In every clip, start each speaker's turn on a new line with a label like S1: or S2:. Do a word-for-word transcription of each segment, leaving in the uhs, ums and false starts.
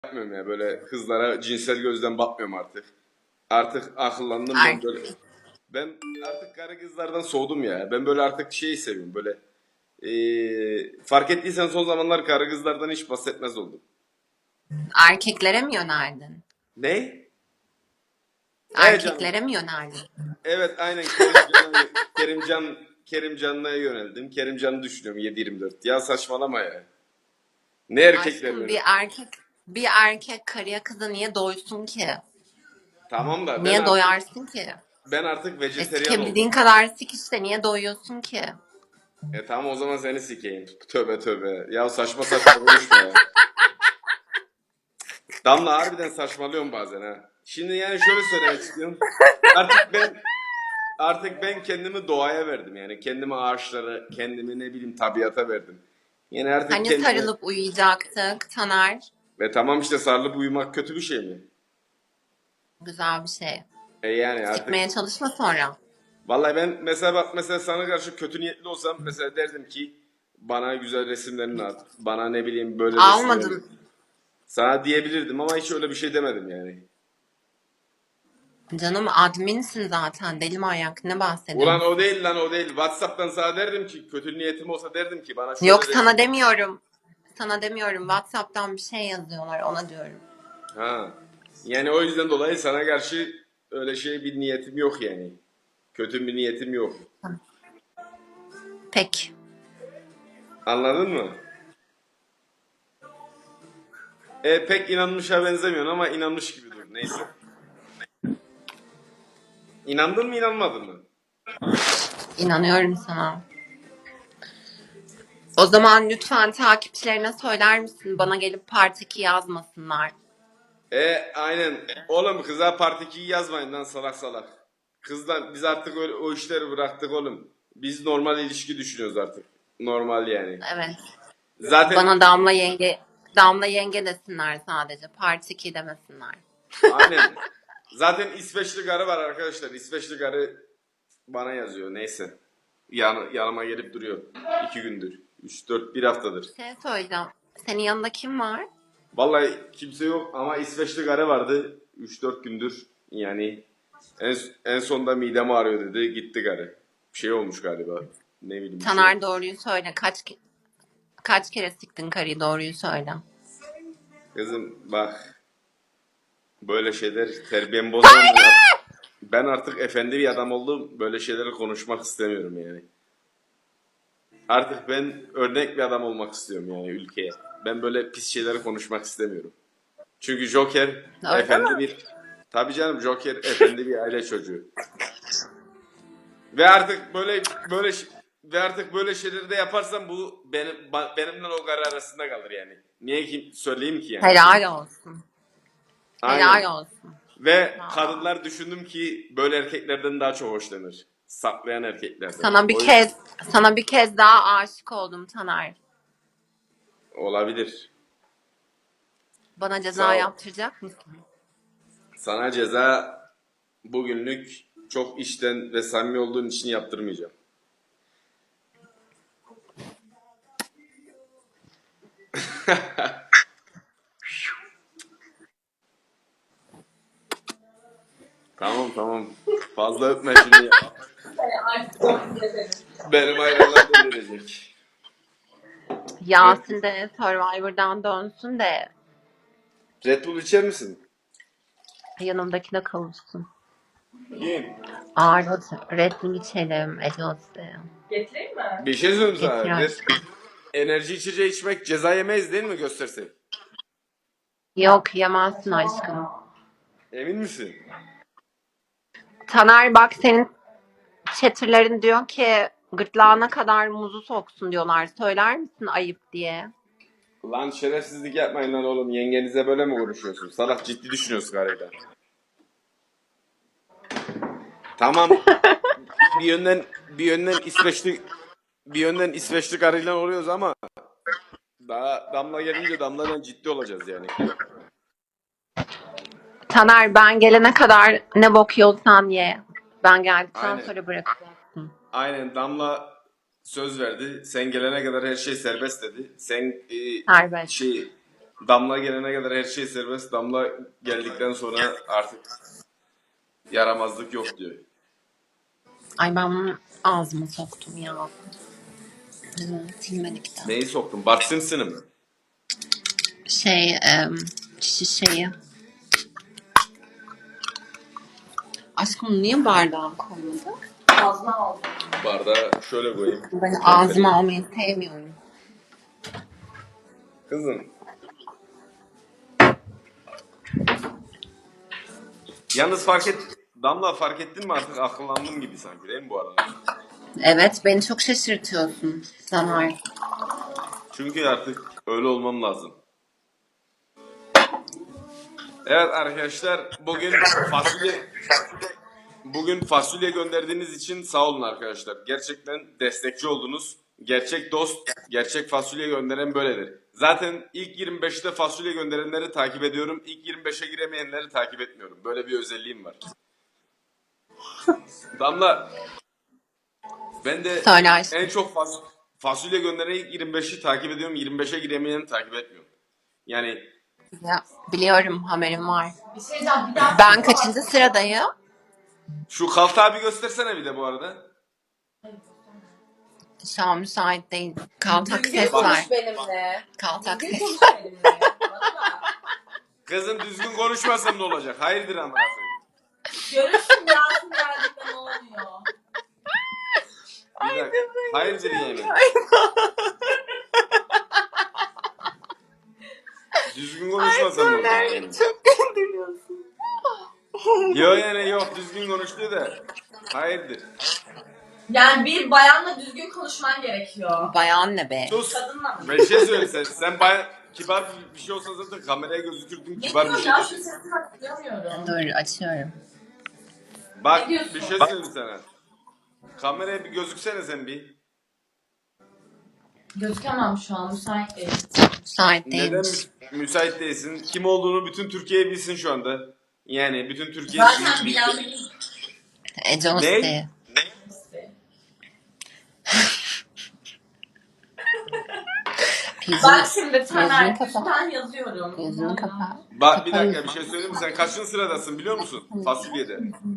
S1: yapmıyorum ya. Böyle kızlara cinsel gözden bakmıyorum artık. Artık akıllandım ben
S2: Er-
S1: böyle. Ben artık kara kızlardan soğudum ya. Ben böyle artık şeyi seviyorum böyle. Ee, fark ettiysen son zamanlar kara kızlardan hiç bahsetmez oldum.
S2: Erkeklere mi yöneldin?
S1: Ne? Evet canım.
S2: Erkeklere mi yöneldin?
S1: Evet aynen Kerimcan'a Kerimcan Kerimcan'a yöneldim. Kerimcan'ı düşünüyorum yedi yirmi dört. Ya saçmalama ya. Ne
S2: Aşkım
S1: erkeklerle?
S2: bir erkek bir erkek karıya kıza niye doysun ki?
S1: Tamam da ben
S2: Niye
S1: artık
S2: doyarsın ki?
S1: ben artık
S2: E
S1: vejeteryan
S2: sikebildiğin
S1: oldum.
S2: kadar sik işte niye doyuyorsun ki?
S1: E tamam o zaman seni sikeyim. Tövbe tövbe. Ya saçma saçma konuşma ya. Damla harbiden saçmalıyorum bazen ha. Şimdi yani şöyle söylemek istiyorum. Artık ben artık ben kendimi doğaya verdim yani. Kendimi ağaçlara, kendimi ne bileyim tabiata verdim. Yani artık
S2: Hani
S1: kendimi
S2: sarılıp uyuyacaktık Taner?
S1: ve tamam işte sarılıp uyumak kötü bir şey mi?
S2: Güzel bir şey.
S1: E yani artık
S2: Sikmeye çalışma sonra.
S1: vallahi ben mesela bak mesela sana karşı kötü niyetli olsam mesela derdim ki bana güzel resimlerini at. Bana ne bileyim böyle resimlerini.
S2: Almadın.
S1: Sana diyebilirdim ama hiç öyle bir şey demedim yani.
S2: Canım adminsin zaten deli manyak ne
S1: Ulan o
S2: bahsediyorsun?
S1: değil lan o değil. WhatsApp'tan sana derdim ki kötü niyetim olsa derdim ki bana
S2: Yok
S1: şöyle
S2: sana
S1: resim.
S2: demiyorum. Sana demiyorum. WhatsApp'tan bir şey yazıyorlar ona diyorum.
S1: Ha. Yani o yüzden dolayı sana karşı öyle şey bir niyetim yok yani. Kötü bir niyetim yok.
S2: Peki.
S1: Anladın mı? E pek inanmışa benzemiyorsun ama inanmış gibi dur. Neyse. İnandın mı inanmadın mı?
S2: İnanıyorum sana. O zaman lütfen takipçilerine söyler misin? Bana gelip part iki yazmasınlar.
S1: E aynen. Oğlum kıza part ikiyi yazmayın lan salak salak. Kızlar biz artık öyle, o işleri bıraktık oğlum. Biz normal ilişki düşünüyoruz artık. Normal yani.
S2: Evet.
S1: Zaten
S2: Bana Damla yenge Damla yenge desinler sadece. Part iki demesinler.
S1: aynen. Zaten İsveçli garı var arkadaşlar. İsveçli garı bana yazıyor. Neyse. Yan, yanıma gelip duruyor. İki gündür. Üç, dört, bir haftadır.
S2: Bir şey söyleyeceğim. Senin yanında kim var?
S1: Vallahi kimse yok ama İsveçli garı vardı. Üç dört gündür. Yani en, en sonunda midem ağrıyor dedi. Gitti garı. Bir şey olmuş galiba. Ne bileyim bir şey
S2: Taner
S1: olmuş.
S2: doğruyu söyle. Kaç ke- kaç kere siktin karıyı doğruyu söyle.
S1: Kızım bak böyle şeyler terbiyemi bozma ben artık, ben artık efendi bir adam oldum. Böyle şeyleri konuşmak istemiyorum yani. Artık ben örnek bir adam olmak istiyorum yani ülkeye. Ben böyle pis şeyleri konuşmak istemiyorum. Çünkü Joker
S2: Öyle
S1: efendi
S2: mi?
S1: bir... Tabii canım Joker efendi bir aile çocuğu. Ve artık böyle böyle ş- ve artık böyle şeyleri de yaparsam bu benim ba- benimle o gar arasında kalır yani. Niye ki söyleyeyim ki yani?
S2: Helal olsun.
S1: Aynen.
S2: Helal olsun.
S1: Ve
S2: Vallahi.
S1: kadınlar düşündüm ki böyle erkeklerden daha çok hoşlanır. Saklayan erkeklerden.
S2: Sana bir
S1: O yüzden
S2: kez sana bir kez daha aşık oldum Taner.
S1: olabilir.
S2: Bana ceza
S1: Sağ ol.
S2: yaptıracak mısın?
S1: Sana ceza bugünlük çok içten ve samimi olduğun için yaptırmayacağım. Tamam tamam. Fazla öpme şimdi. Benim ayranlar delirecek. Red,
S2: Yasin de Survivor'dan dönsün de
S1: Red Bull içer misin?
S2: yanımdakine kavuşsun.
S1: Kim?
S2: Ağır Red Bull içelim. Ecos'te.
S3: Getireyim mi?
S1: Bir şey söyleyeyim
S2: Getir
S1: sana. Red,
S2: aşkım.
S1: enerji içeceği içmek ceza yemeyiz değil mi göstersek?
S2: Yok yemezsin aşkım.
S1: Emin misin?
S2: Taner bak senin chatterlerin diyor ki gırtlağına kadar muzu soksun diyorlar. Söyler misin ayıp diye?
S1: Lan şerefsizlik yapmayın lan oğlum. Yengenize böyle mi konuşuyorsun? Salak ciddi düşünüyorsun galiba. Tamam. Bir yönden bir yönden İsveçli bir yönden İsveçli karıyla oluyoruz ama daha Damla gelince Damla'dan ciddi olacağız yani.
S2: Taner ben gelene kadar ne bok yiyorsan ye. Ben geldikten
S1: Aynen.
S2: sonra bırakacaksın.
S1: Aynen Damla söz verdi. Sen gelene kadar her şey serbest dedi. Sen e,
S2: Serbest.
S1: şey Damla gelene kadar her şey serbest. Damla geldikten sonra artık yaramazlık yok diyor.
S2: Ay ben bunu ağzıma soktum ya. Hı, silmedik de.
S1: Neyi soktun? Bart Simpson'ı mı?
S2: Şey, em, şişeyi. Aşkım niye bardağa koymadın?
S3: Fazla aldım.
S1: Bardağı şöyle koyayım.
S2: Ben ağzıma almayı sevmiyorum.
S1: Kızım. Yalnız fark et, Damla fark ettin mi artık akıllandım gibi sanki değil mi bu arada?
S2: Evet, beni çok şaşırtıyorsun Taner.
S1: Çünkü artık öyle olmam lazım. Evet arkadaşlar bugün fasulye bugün fasulye gönderdiğiniz için sağ olun arkadaşlar. Gerçekten destekçi oldunuz. Gerçek dost, gerçek fasulye gönderen böyledir. Zaten ilk yirmi beşte fasulye gönderenleri takip ediyorum. İlk yirmi beşe giremeyenleri takip etmiyorum. Böyle bir özelliğim var. Damla, ben de
S2: Söyle aşkım.
S1: en çok fas fasulye gönderen ilk yirmi beşi takip ediyorum. yirmi beşe giremeyeni takip etmiyorum. Yani
S2: Ya, biliyorum, haberim var.
S3: Bir şey diyeceğim. Bir daha.
S2: Ben kaçıncı sıradayım?
S1: şu Kalta abi göstersene bir de bu arada.
S2: Şu an müsait değil. Kaltak
S3: Düzgün
S2: ses var.
S3: konuş benimle.
S2: Kaltak
S3: Düzgün
S2: ses.
S3: konuş benimle. Bana bak.
S1: Kızım düzgün konuşmasam ne olacak? Hayırdır amına koyayım.
S3: Görürsün Yasin geldikten ne oluyor.
S1: Bir dakika. Hayırdır yani. Düzgün konuşmasam ne olacak? Yani?
S2: Çok güldürüyorsun.
S1: Yok yani yok düzgün konuştu da. Hayırdır.
S3: Yani bir bayanla düzgün konuşman gerekiyor.
S2: Bayan ne be?
S1: Sus.
S3: Kadınla mı?
S1: Bir şey söyle sen. Sen baya kibar bir şey olsa zaten kameraya gözükürdün
S3: Ne
S1: kibar bir
S3: diyorsun
S1: şey
S3: ya? Şu
S1: deseydin.
S3: sesini hatırlamıyorum.
S2: Dur açıyorum.
S1: Bak
S3: Ne diyorsun?
S1: bir şey söyleyeyim sana. Kameraya bir gözüksene sen bir.
S3: Gözükemem şu an. Müsait değil.
S2: Müsait
S1: Neden
S2: değilmiş.
S1: mü- müsait değilsin? Kim olduğunu bütün Türkiye bilsin şu anda. Yani bütün Türkiye
S3: Zaten
S1: bil- bil-
S3: bilen
S2: Ece
S1: Ne?
S2: Osti.
S3: birisi. Bak şimdi
S2: Gözünü
S3: Taner.
S2: kapa.
S3: Ben yazıyorum.
S2: Gözünü kapa.
S1: Bak bir dakika bir şey söyleyeyim mi? Sen kaçıncı sıradasın biliyor musun? Fasulyede.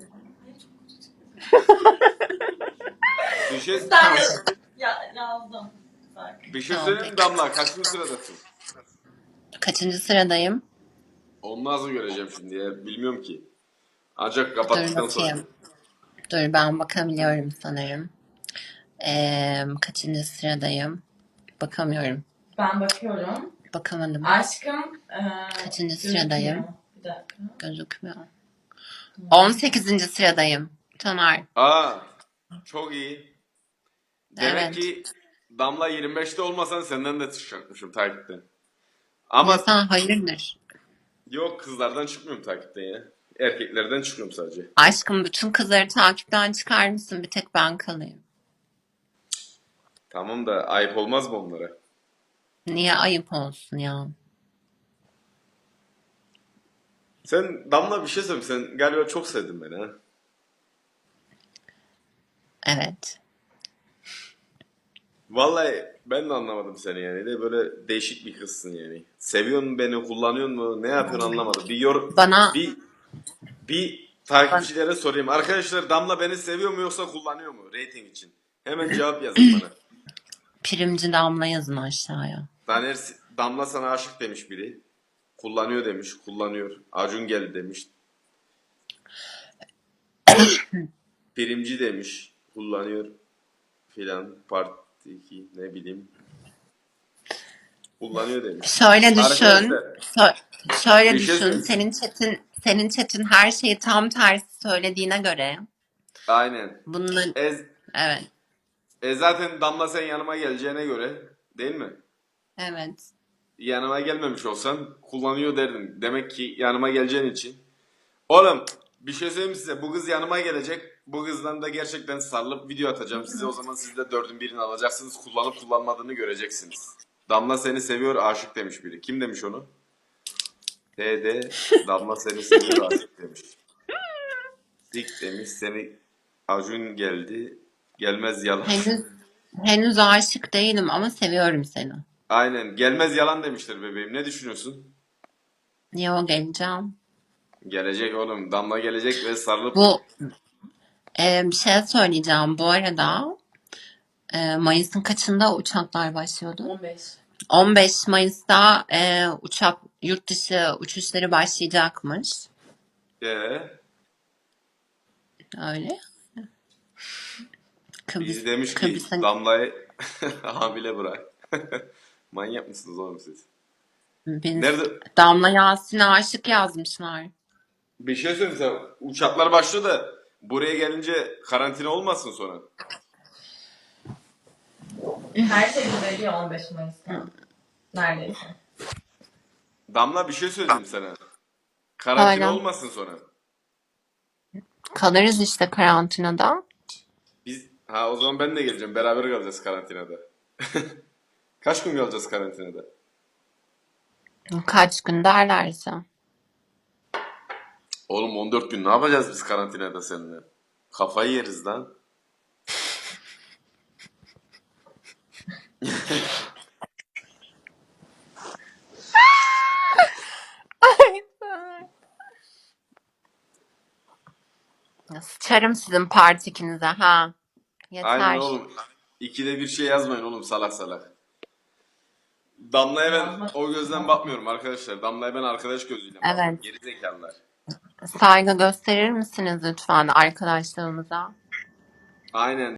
S1: Bir şey,
S3: Ben yaz ya, yazdım. Bak.
S1: bir şey
S2: Tamam,
S1: söyleyeyim mi Damla? Kaçıncı sıradasın?
S2: Kaçıncı sıradayım?
S1: Onu nasıl göreceğim şimdi ya? Bilmiyorum ki. Ancak
S2: Dur
S1: kapattıktan sonra.
S2: bakayım. Dur ben bakabiliyorum sanırım. Ee, kaçıncı sıradayım? Bakamıyorum.
S3: Ben bakıyorum.
S2: Bakamadım.
S3: Aşkım. E,
S2: Kaçıncı
S3: gözükmüyor.
S2: sıradayım?
S3: Bir dakika.
S2: Gözükmüyor. on sekizinci sıradayım. Taner.
S1: Aa, çok iyi. Demek
S2: Evet.
S1: ki Damla yirmi beşte olmasan senden de çıkacakmışım takipten.
S2: Ama
S1: Ama
S2: sen hayırdır?
S1: yok kızlardan çıkmıyorum takipten ya. Erkeklerden çıkıyorum sadece.
S2: Aşkım bütün kızları takipten çıkar mısın? Bir tek ben kalayım.
S1: Tamam da ayıp olmaz mı onlara?
S2: Niye ayıp olsun ya?
S1: Sen Damla bir şey söyleyeyim. Sen galiba çok sevdin beni ha.
S2: Evet.
S1: Vallahi ben de anlamadım seni yani. De böyle değişik bir kızsın yani. Seviyorsun beni, kullanıyorsun mu? Ne yapıyorsun anlamadım. Bir yor
S2: Bana
S1: bir bir takipçilere sorayım. Arkadaşlar Damla beni seviyor mu yoksa kullanıyor mu rating için? Hemen cevap yazın bana.
S2: primci Damla yazın aşağıya.
S1: Daner Damla sana aşık demiş biri. Kullanıyor demiş, kullanıyor. Acun geldi demiş. Primci demiş, kullanıyor filan. Part iki ne bileyim. Kullanıyor demiş.
S2: Şöyle düşün.
S1: Arkadaşlar
S2: Şö- şöyle
S1: bir şey
S2: düşün.
S1: söyleyeyim.
S2: Senin chatin senin chatin her şeyi tam tersi söylediğine göre
S1: Aynen.
S2: bunun
S1: E,
S2: evet.
S1: e zaten Damla sen yanıma geleceğine göre değil mi?
S2: Evet.
S1: Yanıma gelmemiş olsan kullanıyor derdin. Demek ki yanıma geleceğin için. Oğlum bir şey söyleyeyim size. Bu kız yanıma gelecek. Bu kızdan da gerçekten sarılıp video atacağım size. O zaman siz de dördün birini alacaksınız. Kullanıp kullanmadığını göreceksiniz. Damla seni seviyor aşık demiş biri. Kim demiş onu? T D Damla seni seviyor aşık demiş. Dik demiş seni Acun geldi. Gelmez yalan.
S2: Henüz henüz aşık değilim ama seviyorum seni.
S1: Aynen. Gelmez yalan demişler bebeğim. Ne düşünüyorsun?
S2: Yo, geleceğim.
S1: Gelecek oğlum. Damla gelecek ve sarılıp
S2: Bu e, bir şey söyleyeceğim. Bu arada e, Mayıs'ın kaçında uçaklar başlıyordu?
S3: on beş.
S2: on beş Mayıs'ta e, uçak yurt dışı uçuşları başlayacakmış.
S1: ee,
S2: Öyle. Kıbrıs,
S1: biz demiş ki
S2: Kıbrıs'a
S1: Damla'yı hamile bırak. Manyak mısınız oğlum siz?
S2: biz
S1: Nerede?
S2: Damla Yasin'e aşık yazmışlar.
S1: Bir şey söyleyeyim sana. Uçaklar başlıyor da buraya gelince karantina olmasın sonra.
S3: Her şey düzeliyor on beş Mayıs'ta. Neredeyse.
S1: Damla bir şey söyleyeyim sana. Karantina
S2: Hala.
S1: olmasın sonra.
S2: Kalırız işte karantinada.
S1: Biz ha o zaman ben de geleceğim. Beraber kalacağız karantinada. Kaç gün kalacağız karantinada?
S2: Kaç gün derlerse.
S1: Oğlum on dört gün ne yapacağız biz karantinada seninle? Kafayı yeriz lan.
S2: Sıçarım sizin partikinize ha.
S1: Aynen
S2: Yeter.
S1: oğlum. İkide bir şey yazmayın oğlum salak salak. Damla'ya ben
S3: Yazmak-
S1: o gözden bakmıyorum arkadaşlar. Damla'ya ben arkadaş gözüyle bakıyorum.
S2: Evet.
S1: Geri zekalılar.
S2: Saygı gösterir misiniz lütfen arkadaşlarımıza?
S1: Aynen.